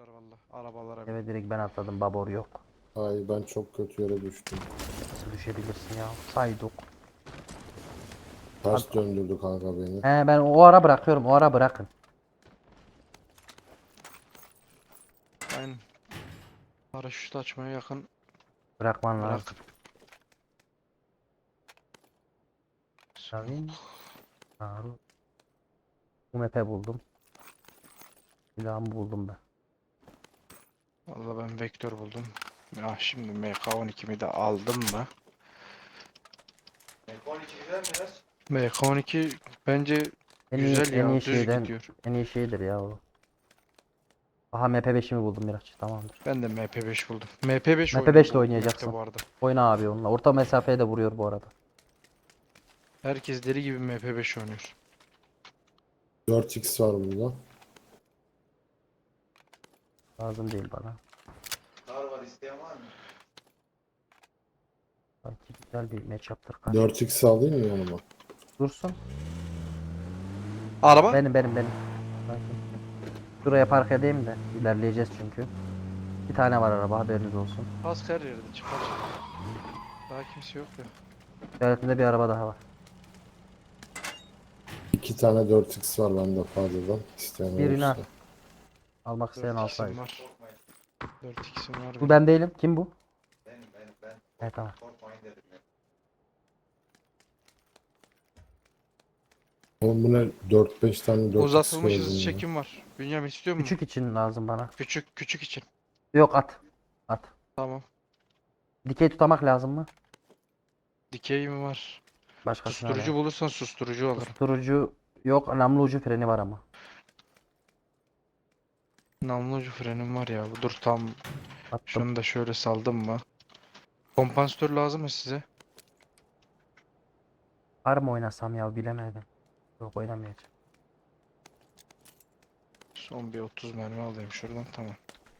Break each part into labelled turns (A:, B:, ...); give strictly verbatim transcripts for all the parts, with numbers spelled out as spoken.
A: atıyorlar valla arabalara.
B: Evet direkt ben atladım. Babor yok.
C: Ay ben çok kötü yere düştüm.
B: Nasıl düşebilirsin ya? Sayduk.
C: Ters döndürdü kanka beni.
B: He ben o ara bırakıyorum. O ara bırakın.
A: Aynen. Paraşüt açmaya yakın
B: Bırakman
A: bırak.
B: lazım. Tabii. Harun. Bu map'e buldum. Silahımı buldum ben.
A: Valla ben vektör buldum. Ya şimdi M K on ikimi de aldım mı?
D: M K on iki güzel mi biraz?
A: M K on iki bence
B: En iyi,
A: güzel
B: en
A: ya,
B: iyi
A: düz
B: şeyden,
A: gidiyor.
B: en iyi şeydir ya o. Aha M P beşimi buldum Miraç. Tamamdır.
A: Ben de M P beş buldum. M P beş
B: M P
A: oynuyor
B: beş ile
A: bu
B: oynayacaksın.
A: map'te bu arada.
B: Oyna abi onunla. Orta mesafeye de vuruyor bu arada.
A: Herkes deli gibi M P beş oynuyor.
C: dört x var burada.
B: Lazım değil bana.
D: Kar var, isteyen var mı?
B: Sanki güzel bir matchup'tır karşı.
C: dört x alayım mı yanıma?
B: Dursun.
A: Araba?
B: Benim benim benim. Sakin. Şuraya park edeyim de ilerleyeceğiz çünkü. Bir tane var araba haberiniz olsun.
A: Kask her yerde çıkar. Daha kimse yok ya.
B: İşaretinde bir araba daha var.
C: İki tane dört x var bende fazladan. İsteyen
B: Birini al.
C: olursa.
B: Almak isteyen
A: dört x'im
B: alsaydı.
A: var. dört x'im var.
B: Bu
A: benim.
B: ben değilim. Kim bu?
D: Benim benim ben.
B: Evet tamam.
D: Korkmayın dedim ya.
C: Oğlum bu ne? dört beş tane dört x
A: Uzatılmış
C: gördüm
A: hızlı
C: ya.
A: çekim var. Bünyamin istiyor musun?
B: Küçük için lazım bana.
A: Küçük küçük için.
B: Yok at. At.
A: Tamam.
B: Dikey tutamak lazım mı?
A: Dikey mi var?
B: Başkasına
A: Susturucu
B: ver.
A: bulursan susturucu alırım.
B: Susturucu yok. Namlu ucu freni var ama.
A: Namlu ucu frenim var ya. Dur tam
B: Attım.
A: şunu da şöyle saldım mı? Kompansatör lazım mı size?
B: Var mı oynasam ya bilemedim. Yok oynamayacağım.
A: Son bir otuz mermi alayım şuradan, tamam.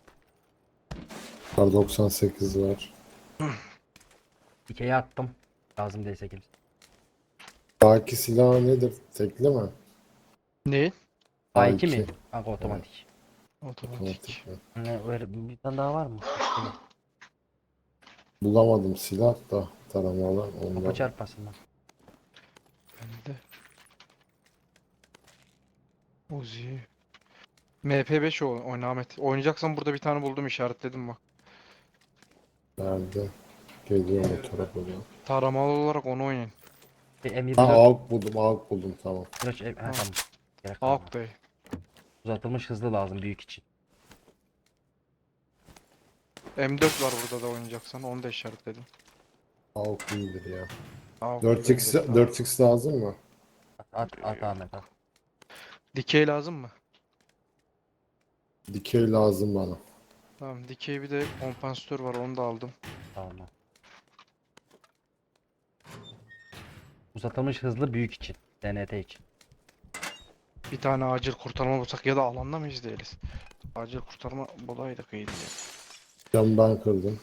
C: Kar doksan sekiz var.
B: Dikey'e attım. Lazım değilse kimse.
C: Daki silah nedir? Tekli mi?
A: Ne?
B: A iki mi?
C: A iki.
B: Kanka otomatik.
A: Otomatik.
C: Otomatik mi?
B: Ne öyle bir tane daha var mı? Değil.
C: Bulamadım silah da taramalı.
B: Kapı
C: Ondan.
B: çarpmasından.
A: Bende. Uzi. M P beş o oyna Ahmet. Oynayacaksan burada bir tane buldum, işaretledim bak.
C: Nerede? Geliyor o tarafa doğru.
A: Taramalı olarak onu oynayın.
B: Bir M yirmi
C: Ha
B: dört.
C: AWP buldum, AWP buldum tamam.
B: Kıraç, ha, tamam. Gerek kalmadı.
A: Avuk dayı.
B: Uzatılmış hızlı lazım büyük için.
A: M dört var burada da oynayacaksan, onu da işaretledim.
C: AWP iyidir ya.
A: Avuk
C: dört x
A: güzeldir, tamam.
C: dört x lazım mı?
B: At at, at Ahmet at.
A: Dikey lazım mı?
C: Dikey lazım bana.
A: Tamam, dikey bir de kompansatör var, onu da aldım.
B: Tamam. Uzatılmış hızlı büyük için. D N T için.
A: Bir tane acil kurtarma bulsak ya da alanda mıyız değiliz. Acil kurtarma bulaydık iyiydi ya.
C: Camı ben kırdım.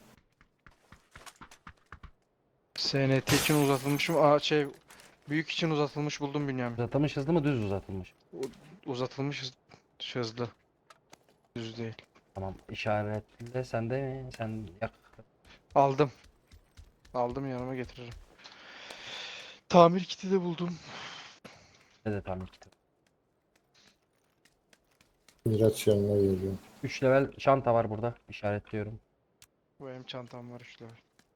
A: S N T için uzatılmış mı? Aa şey, büyük için uzatılmış buldum Bünyamin.
B: Uzatılmış hızlı mı düz uzatılmış?
A: Uzatılmış hız- hızlı. Düz değil.
B: Tamam işaretle sen de mi? Sen yak.
A: Aldım. Aldım, yanıma getiririm. Tamir kiti de buldum.
B: Ne de tamir kitabı.
C: Miraç yanına geliyor.
B: üç level çanta var burada. İşaretliyorum.
A: Bu benim çantam var işte.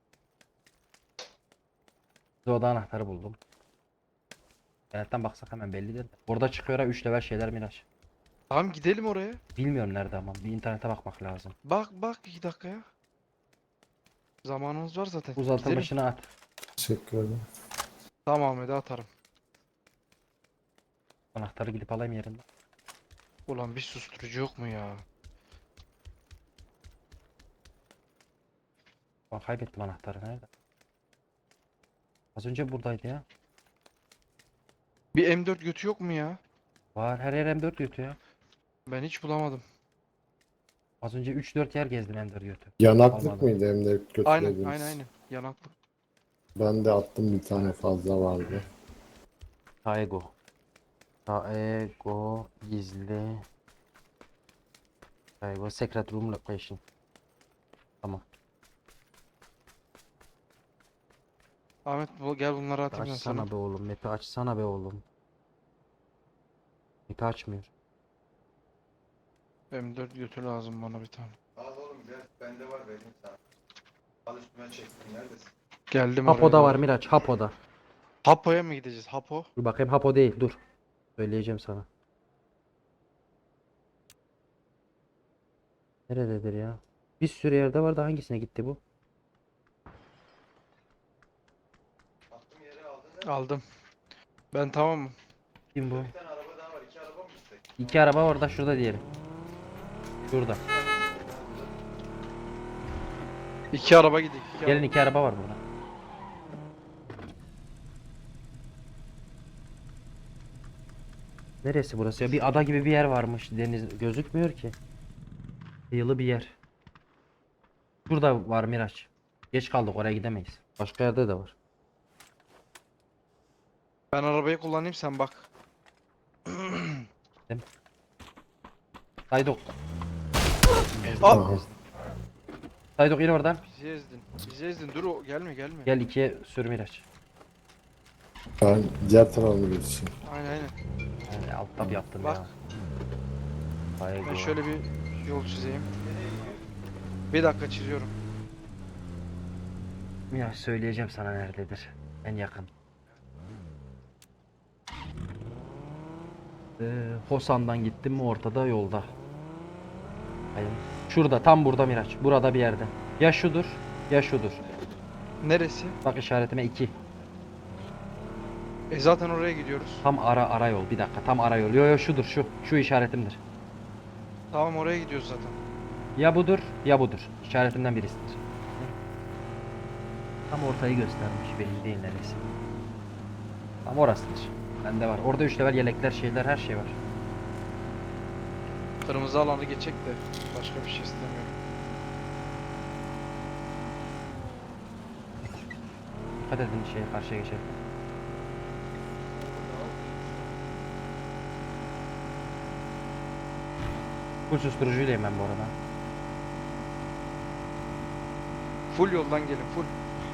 B: Bir oda anahtarı buldum. İnternetten baksak hemen bellidir. Burada çıkıyor ha üç level şeyler Miraç.
A: Tamam, gidelim oraya.
B: Bilmiyorum nerede ama bir internete bakmak lazım.
A: Bak bak iki dakikaya. Zamanımız var zaten. Gidelim.
B: Uzatılmışını at.
C: Teşekkür ederim.
A: Tamam Ahmet'e atarım.
B: Anahtarı gidip alayım yerinden.
A: Ulan bir susturucu yok mu ya?
B: Ben kaybettim anahtarı nerede? Az önce buradaydı ya.
A: Bir M dört götü yok mu ya?
B: Var her yer M dört götü ya.
A: Ben hiç bulamadım.
B: Az önce üç dört yer gezdim M dört götü.
C: Yanaklık
B: Almadım.
C: mıydı hem de
A: Aynen
C: götürebiliriz.
A: aynen aynen. Yanaklı.
C: Ben de attım bir tane fazla vardı.
B: Taego. Taego gizli. I was secret room location. Tamam.
A: Ahmet bu, gel bunları atayım ben sana.
B: Açsana be oğlum. Map'i açsana be oğlum. Map'i açmıyor.
A: M dört götü lazım bana bir tane.
D: Al oğlum gel. Bende var benim sana. Al üstüme çektim. Neredesin?
A: Geldim oraya
B: Hapo'da var
A: doğru.
B: Miraç. Hapo'da.
A: Hapo'ya mı gideceğiz? Hapo.
B: Dur bakayım Hapo değil. Dur. Söyleyeceğim sana. Nerededir ya? Bir sürü yerde vardı. Hangisine gitti bu?
D: Attım yere aldın değil mi?
A: Aldım. Ben tamamım.
B: Kim bu?
D: Bir tane araba daha var. İki araba mı istek?
B: İki araba orada. Şurada diyelim. Şurada.
A: İki araba gidelim. iki
B: Gelin
A: araba.
B: iki araba var burada. Neresi burası ya? Bir ada gibi bir yer varmış. Deniz gözükmüyor ki. Kıyılı bir yer. Burada var Miraç. Geç kaldık, oraya gidemeyiz. Başka yerde de var.
A: Ben arabayı kullanayım sen bak.
B: Saydok.
A: Aa!
C: Aha.
B: Saydok in oradan.
A: Bizi ezdin. Bizi ezdin. Dur o gelme gelme.
B: Gel ikiye sür Miraç.
C: Ben diğer tarafa geçeyim.
A: Aynen aynen.
B: Yani alt tab yaptım
A: Bak.
B: ya. Bayağı
A: Ben
B: güzel.
A: şöyle bir yol çizeyim. Bir dakika çiziyorum.
B: Miraç söyleyeceğim sana nerededir. En yakın. Ee, Hosan'dan gittim mi ortada yolda. Hayır. Şurada tam burada Miraç. Burada bir yerde. Ya şudur ya şudur.
A: Neresi?
B: Bak işaretime iki.
A: E zaten oraya gidiyoruz.
B: Tam ara ara yol. Bir dakika tam ara yol. Yo yo şudur şu. Şu işaretimdir.
A: Tamam oraya gidiyoruz zaten.
B: Ya budur ya budur. İşaretimden birisidir. Tam ortayı göstermiş. Belli değil neresi. Tam orasıdır. Bende var. Orada üç level yelekler şeyler her şey var.
A: Kırmızı alanı geçecek de başka bir şey istemiyorum.
B: Dikkat edin şeye karşıya geçelim. Full susturucuylayım ben bu arada.
A: Full yoldan gelin full.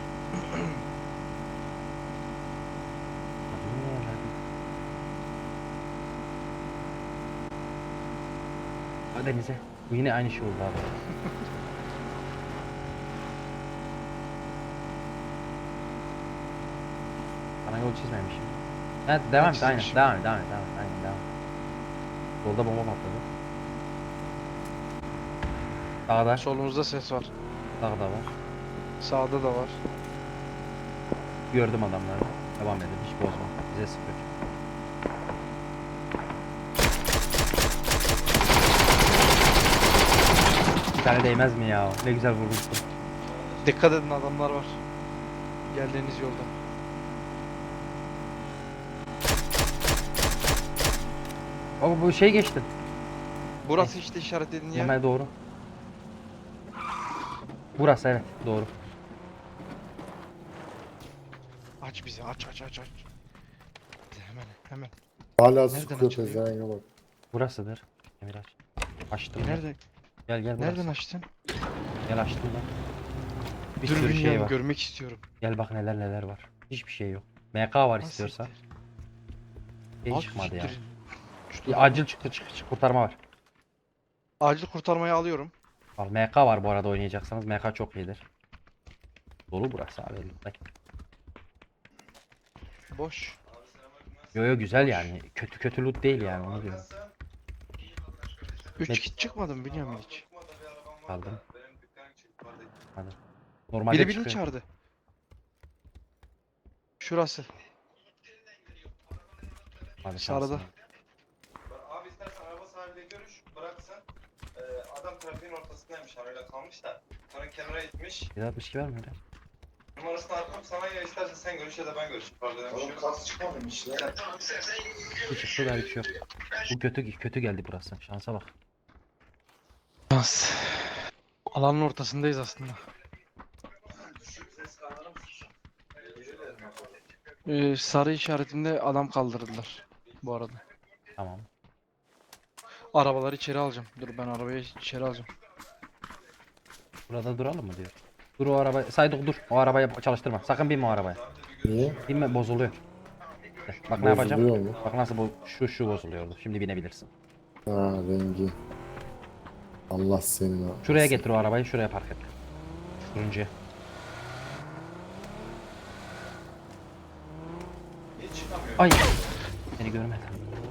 B: Hadi denize. Bu yine aynı şey oldu abi. Bana yol çizmemişim. Evet devam et aynen.
A: çizmişim.
B: Devam et devam et devam et. Aynen devam et. Solda bomba patladı. Sağda.
A: Solumuzda ses var.
B: Sağda var.
A: Sağda da var.
B: Gördüm adamları. Devam edin hiç bozma. Bize sıfır. Bir tane değmez mi ya? Ne güzel vurmuştum.
A: Dikkat edin adamlar var. Geldiğiniz yolda.
B: Ama bu şey geçti.
A: Burası işte işaretlediğin yer.
B: Hemen doğru. Burası evet doğru.
A: Aç bizi aç aç aç aç. Hemen hemen.
C: Hala
A: Nereden
C: sıkıyor
A: açılıyor?
C: pezevenge bak.
B: Burasıdır. Emir aç. Açtım. ben.
A: Nerede?
B: Gel gel burası.
A: Nereden açtın?
B: Gel açtım ben. Bir
A: Dur
B: sürü şey
A: bilmiyorum
B: var.
A: görmek istiyorum.
B: Gel bak neler neler var. Hiçbir şey yok. M K var
A: Ha,
B: istiyorsan.
A: siktir.
B: Şey
A: Al,
B: çıkmadı ya.
A: siktir. Şu
B: Bir acil çıktı çık, çık kurtarma var.
A: Acil kurtarmayı alıyorum.
B: Al M K var bu arada oynayacaksanız. M K çok iyidir. Dolu burası abi. Bak.
A: Boş.
B: Yo yo güzel yani. Kötü kötü loot değil yani onu diyorum.
A: Üç
B: Ne-
A: kit çıkmadı mı bilmiyorum hiç.
B: Aldım.
D: Benim dükkanım çıktı.
B: Hadi. Normalde
A: Biri birini
B: çıkıyor.
A: çağırdı. Şurası.
B: Hadi
A: Sağda.
B: şansın.
D: Abi istersen araba sahibiyle görüş. Bıraksın. Ee, adam trafiğin ortasındaymış. Arayla kalmış da. Sonra kenara itmiş.
B: Bir altmış iki var mı öyle?
D: Numarasını attım sana, ya istersen sen görüş ya da ben görüş. Pardon. Oğlum kas çıkmamış ya.
B: Bu çıktı da hiç yok. Bu kötü kötü geldi burası. Şansa bak.
A: Şans. Alanın ortasındayız aslında.
D: Düşük ses kaldırır mısın?
A: Ee, sarı işaretinde adam kaldırdılar. Bu arada.
B: Tamam.
A: Arabaları içeri alacağım. Dur ben arabayı içeri alacağım.
B: Burada duralım mı diyor. Dur o araba. Saydık dur. O arabayı çalıştırma. Sakın binme o arabaya.
C: Niye?
B: Binme bozuluyor. Bak ne yapacağım?
C: Bozuluyor mu?
B: Bak nasıl bu şu şu bozuluyordu. Şimdi binebilirsin.
C: Ha, rengi. Allah senin.
B: Şuraya getir o arabayı. Şuraya park et. Turuncuya.
D: Hiç çıkamıyor.
B: Ay. Beni görmedi.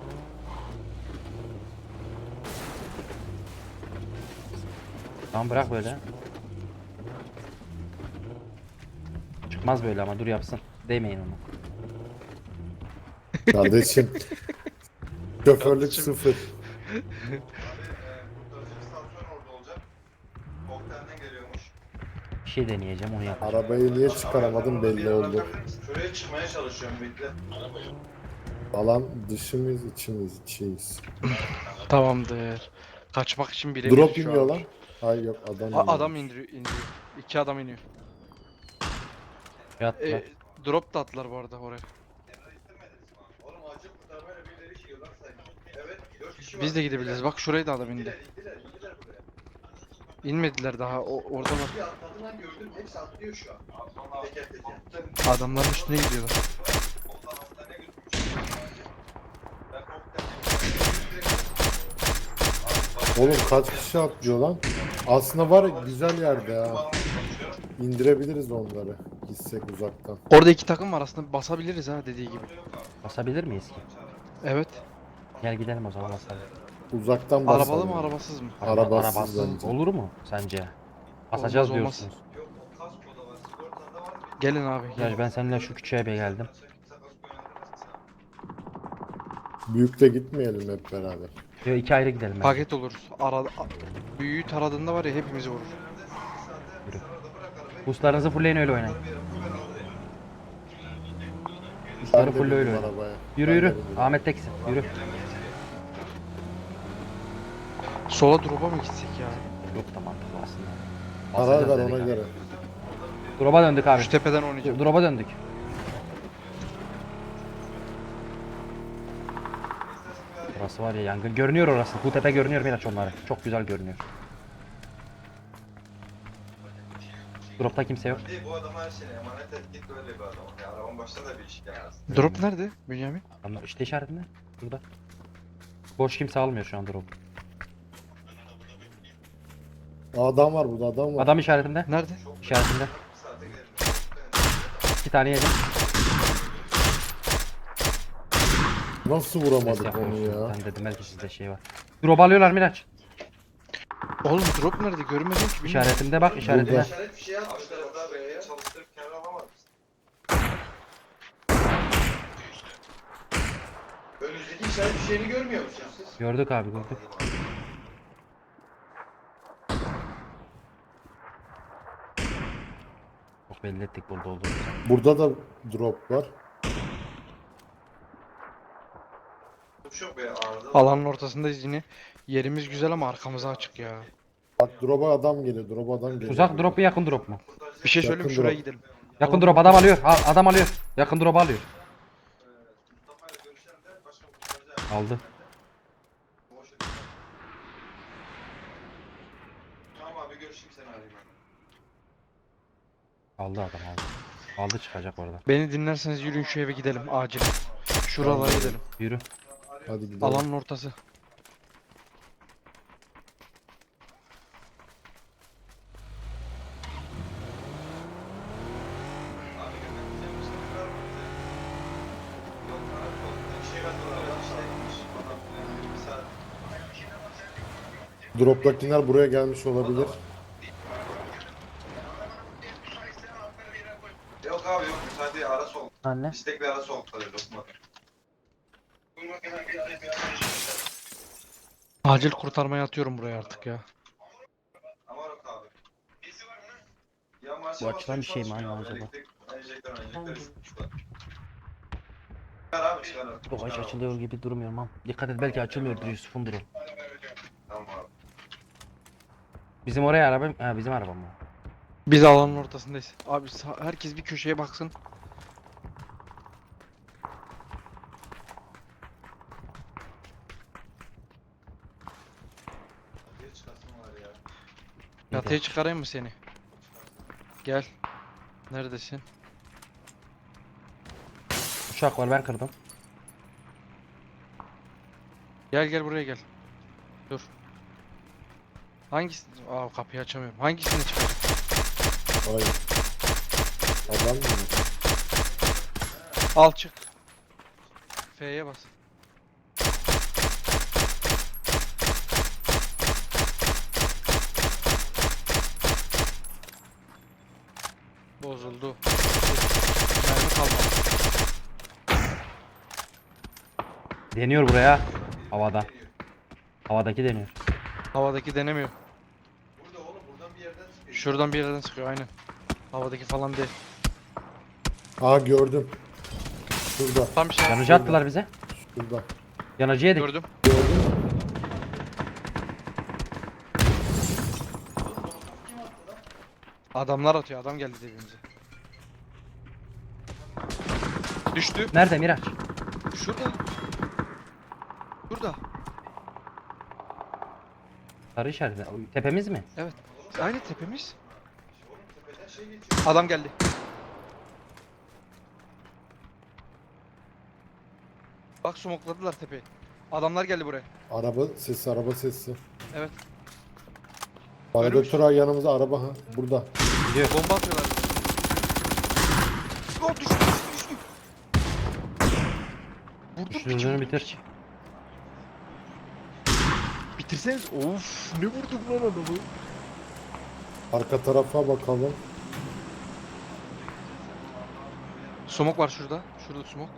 B: Tamam bırak böyle. Çıkmaz böyle ama dur yapsın. Değmeyin ona.
C: Kardeşim. Şoförlük
A: Kardeşim.
C: sıfır.
D: Abi, e, kurtarıcı istasyon orada olacak. Koktelden geliyormuş.
B: Bir şey deneyeceğim onu yapacağım.
C: Arabayı niye çıkaramadım belli oldu.
D: Şuraya çıkmaya çalışıyorum bekle.
C: Falan dışımız içimiz içiyiz.
A: Tamamdır. Kaçmak için bile
C: Drop iniyor lan. Hayır yok adam iniyor.
A: Adam indiriyor, indiriyor. İki adam iniyor.
B: Yat
A: E,
B: lan.
A: drop da attılar bu arada oraya.
D: Emre istemediniz mi? Oğlum acil kurtarmayla birileri işiyor lan sayın. Evet dört kişi var.
A: Biz de gidebiliriz. Bak şuraya da adam indi.
D: İndiler indiler indiler buraya.
A: İnmediler daha. O, orada var.
D: Bir atladı lan gördüm hepsi atlıyor şu an. Teker teker.
A: Adamların üstüne gidiyorlar.
D: Ondan hastaneye götürmüş. Ben koktelden
C: Oğlum kaç kişi atlıyor lan? Aslında var ya güzel yerde ha. İndirebiliriz onları. Gitsek uzaktan.
A: Orada iki takım var aslında basabiliriz ha dediği gibi.
B: Basabilir miyiz ki?
A: Evet.
B: Gel gidelim o zaman basalım.
C: Uzaktan basalım.
A: Arabalı mı arabasız mı?
B: Araba-
C: Arabasız
B: arabasız
C: bence.
B: olur mu sence? Basacağız
A: Olmaz, olmaz.
B: diyorsunuz.
D: Yok o kaskoda var. Sigortada var. Bir
A: Gelin abi.
B: Ya ben seninle şu küçüğe bir geldim.
C: Büyükte gitmeyelim hep beraber.
B: Yo iki ayrı gidelim bence.
A: Paket oluruz. Ara, büyüğü taradığında var ya hepimizi vurur.
B: Boostlarınızı fullleyin öyle oynayın.
C: Ben
B: Boostları
C: de
B: full öyle
C: bindim
B: oynayın.
C: arabaya.
B: Yürü
C: Ben de
B: yürü.
C: bindim.
B: Ahmet teksin. Yürü.
A: Sola drop'a mı gitsek ya?
B: Yok da mantıklı aslında.
C: Karar
B: Basacağız
C: ver
B: dedik
C: ona
B: abi.
C: göre.
B: Drop'a döndük abi.
A: Şu tepeden oynayacağım.
B: Drop'a döndük. Burası var ya yangın. Görünüyor orası. Bu tepe görünüyor Miraç onları. Çok güzel görünüyor. Drop'ta kimse yok.
D: Değil bu adama her şeyini emanet et git böyle bir adam. Ya arabanın başında da bir iş gelmez.
A: Drop nerede Bünyamin?
B: Adamlar işte işaretinde. Burada. Boş kimse almıyor şu an drop.
C: Aa, adam var burada adam var.
B: Adam işaretinde.
A: Nerede?
B: İşaretinde.
D: Bir saate gidelim.
B: İki tane yedim.
C: Nasıl
B: Ses
C: vuramadık onu
B: yapıyorsun.
C: ya?
B: Ben dedim belki sizde şey var. Drop alıyorlar Miraç.
A: Oğlum drop nerede? Görmedim ki. bilmiyorum.
B: İşaretinde bak işaretinde.
C: Burada.
D: İşaret bir şey atmışlar daha be. Çalıştırıp kenar alamaz mısın? Önünüzdeki işaret bir şeyini görmüyor musunuz siz?
B: Gördük abi gördük. Çok belli ettik burada olduğumuzu.
C: Burada da drop var.
D: Çok be arıza.
A: Alanın ortasındayız yine. Yerimiz güzel ama arkamıza açık ya.
C: Bak drop'a adam geliyor. Drop'a adam geliyor.
B: Uzak drop mu yakın drop mu?
A: Bir şey söyleyeyim
C: Yakın
A: şuraya
C: drop.
A: gidelim.
B: Yakın drop adam alıyor. A- adam alıyor. Yakın drop alıyor.
D: Mustafa'yla görüşelim de başka kurtaracağım.
B: Aldı.
D: Boş ver. Tamam abi görüşeyim seni arayayım ben.
B: Aldı adam aldı. Aldı çıkacak oradan.
A: Beni dinlerseniz yürüyün şu eve gidelim acil. Şuralara gidelim.
B: Yürü.
C: Hadi gidelim.
A: Alanın ortası.
D: Abi götüreceğim işte bir var mı bize? Yok abi yok. Bir şey katıyorlar. İşteymiş. Adam yani bir saat.
C: Drop'takiler buraya gelmiş olabilir.
D: Yok abi yok müsaade ara soğuk.
B: Anne.
D: İstek bir ara soğuk kalıyor lokma.
A: Acil kurtarmaya atıyorum buraya artık ya.
D: Ama yok abi. Ya marşa
B: Bu açılan bir şey mi
D: çalışmıyor
B: anne
D: abi.
B: acaba?
D: Elektrik, enjektör, enjektör üstmüşler. Çıkar abi çıkar.
B: Çok aç
D: Çıkar abi.
B: açılıyor gibi durmuyor ama. Dikkat et belki açılmıyordur Yusuf'un drop.
D: Tamam abi.
B: Bizim oraya araba ha bizim araba mı?
A: Biz alanın ortasındayız. Abi sa- herkes bir köşeye baksın.
D: ya.
A: Çatıya çıkarayım mı seni? Gel. Neredesin?
B: Uçak var ben kırdım.
A: Gel gel buraya gel. Dur. Hangisi? Aa kapıyı açamıyorum. Hangisini çıkarayım?
C: Hayır. Adam mı?
A: Al çık. F'ye bas. Bozuldu. Mermi kalmadı.
B: Deniyor buraya. Havada. Havadaki deniyor.
A: Havadaki denemiyor.
D: Burada oğlum buradan bir yerden çıkıyor.
A: Şuradan bir yerden sıkıyor aynen. Havadaki falan değil.
C: Aa gördüm. Şurada.
A: Tam bir şey.
B: Yanıcı attılar bize.
C: Şurada.
B: Yanıcı yedik.
A: Gördüm.
C: Gördün mü?
A: Adamlar atıyor. Adam geldi dibimize. Düştü.
B: Nerede Miraç?
A: Şurada. Şurada.
B: Sarı işaret. Tepemiz mi?
A: Evet. Aynı tepemiz.
D: Oğlum tepeden şey geçiyor.
A: Adam geldi. Bak smokladılar tepeyi. Adamlar geldi buraya.
C: Araba sesi, araba sesi.
A: Evet.
C: Bayraktar yanımızda araba ha. Burada.
B: Gidiyor.
A: Bomba atıyorlar. Oh, düştü düştü düştü. Vurdum
B: Düştüğünü
A: piçi, vurdum
B: bitir.
A: piçi. Bitirseniz. Of ne vurdum lan adamı.
C: Arka tarafa bakalım.
A: Smoke var şurada. Şurada smoke.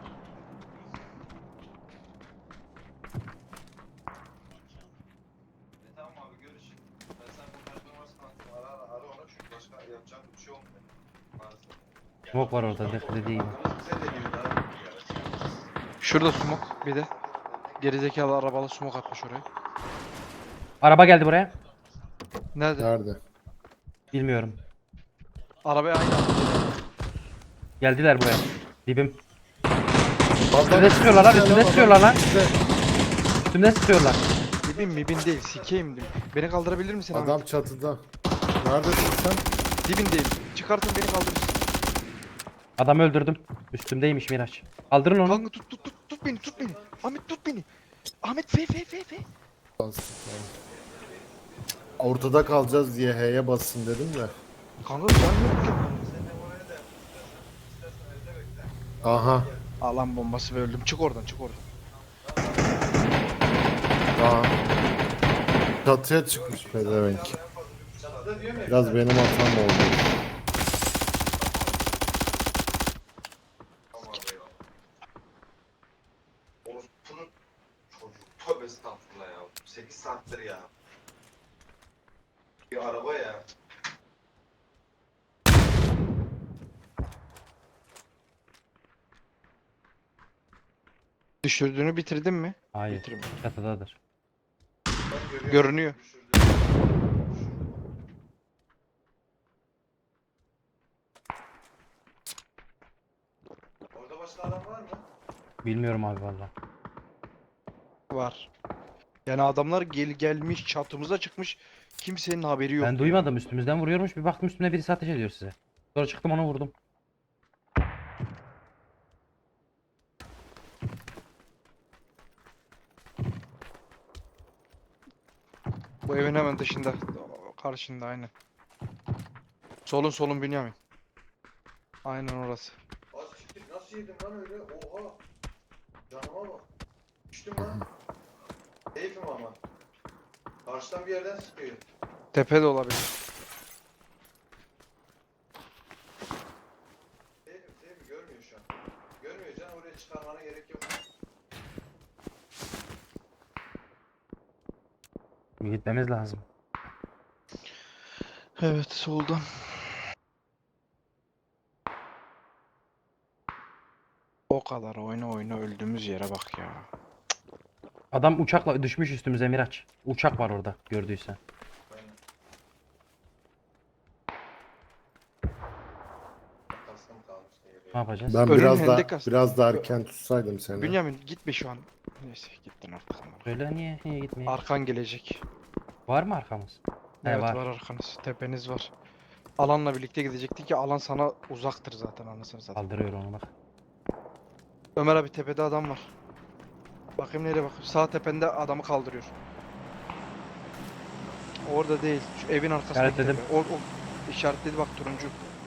D: E tamam abi görüş. Ben sen bu performansını attım. Ara ara ara ona çünkü başka yapacağım bir şey olmuyor. Maalesef.
B: Smoke var orada. Def dediği gibi.
D: Sen de gibi daha.
A: Şurada smoke bir de. Gerizekalı arabalı smoke atmış oraya.
B: Araba geldi buraya.
A: Nerede?
C: Nerede?
B: Bilmiyorum.
A: Arabaya aynı attı.
B: Geldiler buraya. Dibim.
C: Adam-
B: Üstümde sıkıyorlar lan. Üstümde
C: Adam-
B: sıkıyorlar lan.
C: İşte
B: Üstümde sıkıyorlar.
A: Dibim mibin değil sikeyim dim. Beni kaldırabilir misin abi?
C: Adam çatıda. Neredesin sen?
A: Dibindeyim. Çıkartın beni kaldırırsın.
B: Adamı öldürdüm. Üstümdeymiş Miraç. Kaldırın onu.
A: Kanka tut tut tut tut beni tut beni. Ahmet tut beni. Ahmet fe fe fe fe.
C: Ortada kalacağız diye H'ye bassın dedim de.
A: Kanka can yok ki.
C: Aha.
A: Alan bombası ve öldüm. Çık oradan çık oradan.
C: Aha. Çatıya çıkmış pezevenk. Biraz benim hatam oldu.
D: Orospu'nun çocuğu. Tövbe estağfurullah ya. sekiz saattir ya. Bir araba ya.
A: Düşürdüğünü bitirdin mi?
B: Hayır.
A: Bitirme.
B: Çatıdadır.
D: Ben görüyorum.
A: Görünüyor.
D: Düşürdü. Orada başka adam var mı?
B: Bilmiyorum abi valla.
A: Var. Yani adamlar gel gelmiş çatımıza çıkmış. Kimsenin haberi yok.
B: Ben duymadım. Üstümüzden vuruyormuş. Bir baktım üstümde birisi ateş ediyor size. Sonra çıktım onu vurdum.
A: Bu evin hemen dışında. Karşında aynen. Solun solun Bünyamin. Aynen orası.
D: Az siktir nasıl yedim lan öyle? Oha. Canıma bak. Düştüm lan. Keyfim ama. Karşıdan bir yerden sıkıyor.
A: Tepe de olabilir.
D: Keyfim keyfim görmüyor şu an. Görmüyor can oraya çıkarmana gerek yok.
B: Gitmemiz lazım.
A: Evet soldan. O kadar oyna oyna öldüğümüz yere bak ya.
B: Adam uçakla düşmüş üstümüze Miraç. Uçak var orada gördüysen.
D: Aynen. Kaskım kalmıştı yere.
B: Ne yapacağız?
C: Ben
A: Ölüm
C: biraz da
A: hendek aslında.
C: biraz da erken tutsaydım seni.
A: Bünyamin gitme şu an. Neyse gittin artık.
B: Öyle niye? Niye gitmeyeyim?
A: Arkan gelecek.
B: Var mı arkamız? He,
A: Evet
B: var.
A: var arkanız. Tepeniz var. Alanla birlikte gidecektik ki alan sana uzaktır zaten anasını satayım.
B: Kaldırıyor onu bak.
A: Ömer abi tepede adam var. Bakayım nereye bak. Sağ tepende adamı kaldırıyor. Orada değil. Şu evin arkasındaki
B: İşaretledim.
A: tepe. O, o işaretledi bak turuncu.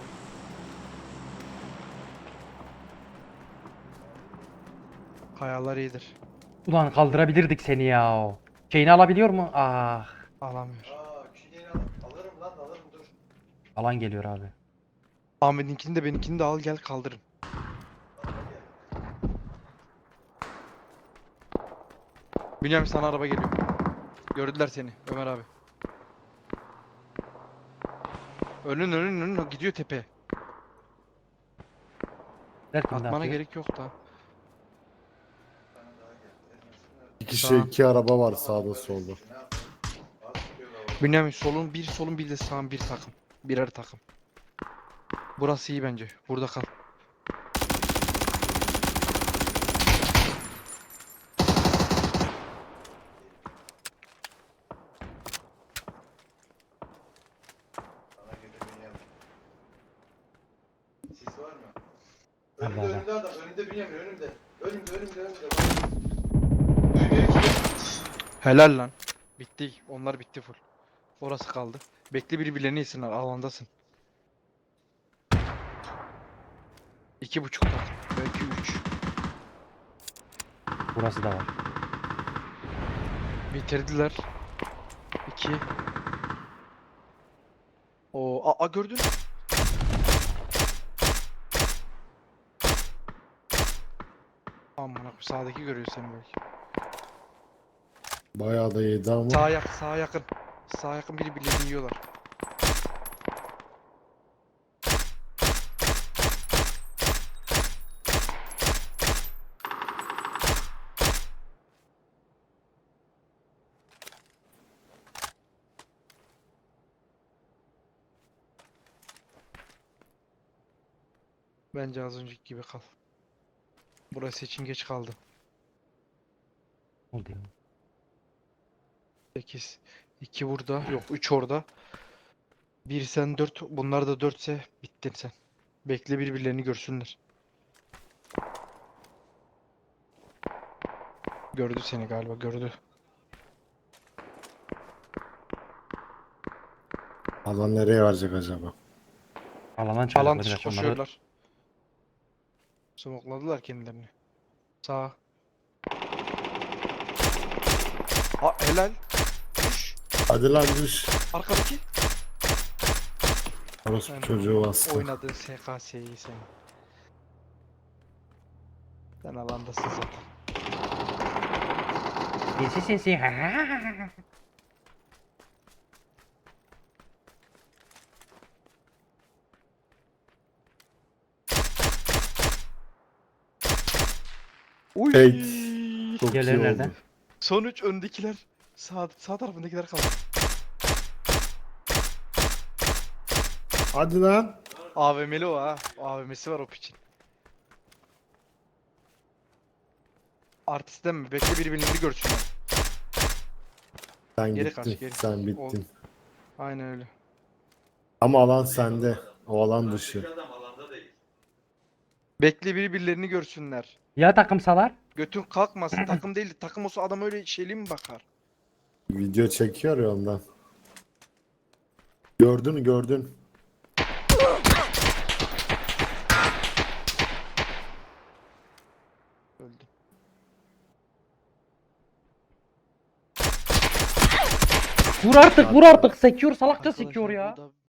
A: Kayalar iyidir.
B: Ulan kaldırabilirdik seni ya. Şeyini alabiliyor mu? Ah.
A: Alamıyor.
D: Aa küçüğünü al- alırım lan alırım dur.
B: Alan geliyor abi.
A: Ahmet'inkini de benimkini de al gel kaldırın.
D: Alma gel.
A: Bünyamin sana araba geliyor. Gördüler seni Ömer abi. Önün önün önün gidiyor tepeye.
B: Derken de
A: Atmana
B: atıyor.
A: gerek yok da.
D: Bana daha gel. Elmasını
C: İki kişi
A: Sağ.
C: iki araba var sağda solda.
D: Ne yapayım? Az tutuyorlar orada.
A: Bünyamin solun bir solun bir de sağın bir takım. Birer takım. Burası iyi bence. Burada kal.
D: Sana göre Bünyamin. Sis var mı?
B: Var,
D: Önümde
B: var, var.
D: önümde adam. Önümde Bünyamin önümde. Önümde önümde önümde. Bak. Duymuyor ki.
A: Helal lan. Bitti. Onlar bitti full. Orası kaldı. Bekle birbirlerini yesinler. Alandasın. İki buçuk takım. Belki üç.
B: Burası da var.
A: Bitirdiler. İki. O a, a gördün. Aman akım sağdaki görüyor seni belki.
C: Bayağı da yedi ama.
A: Sağa yakın, sağa yakın. Sağa yakın birbirlerini yiyorlar. Bence az önceki gibi kal. Burası için geç kaldı.
B: Oldu ya.
A: sekiz. iki burada. Yok üç orada. bir sen dört. Bunlar da dörtse bittin sen. Bekle birbirlerini görsünler. Gördü seni galiba gördü.
C: Alan nereye verecek acaba?
B: Alandan çıkacak
A: Alan
B: Miraç
A: dışı
B: onları.
A: koşuyorlar. Smokladılar kendilerini. Sağa. Aa, helal. Düş.
C: Hadi lan düş.
A: Arkadaki.
C: Orası
A: Sen
C: çocuğu bastı.
A: Oynadığın S K S'yi sen. Sen alandasın zaten.
B: Sinsi sinsi.
A: Uy.
C: Fake. Çok iyi
B: Diğerleri
C: oldu.
B: nerede?
A: Sonuç öndekiler. Sağ, sağ tarafındakiler kaldı.
C: Hadi lan.
A: A V M'li o ha. A V M'si var o piçin. Artistten mi? Bekle birbirlerini görsünler.
C: Sen
A: Geri
C: gittin.
A: kaç, geri.
C: Sen
A: Oldu.
C: bittin.
A: Aynen öyle.
C: Ama alan sende. O alan dışı.
A: Bekle birbirlerini görsünler.
B: Ya takımsalar?
A: Götün kalkmasın. Takım değil. Takım olsa adam öyle şeyli mi bakar?
C: Video çekiyor ya ondan. Gördün mü gördün.
A: Öldü.
B: Vur artık vur artık. Sekiyor salakça
A: Arkadaşlar
B: sekiyor ya.
A: burada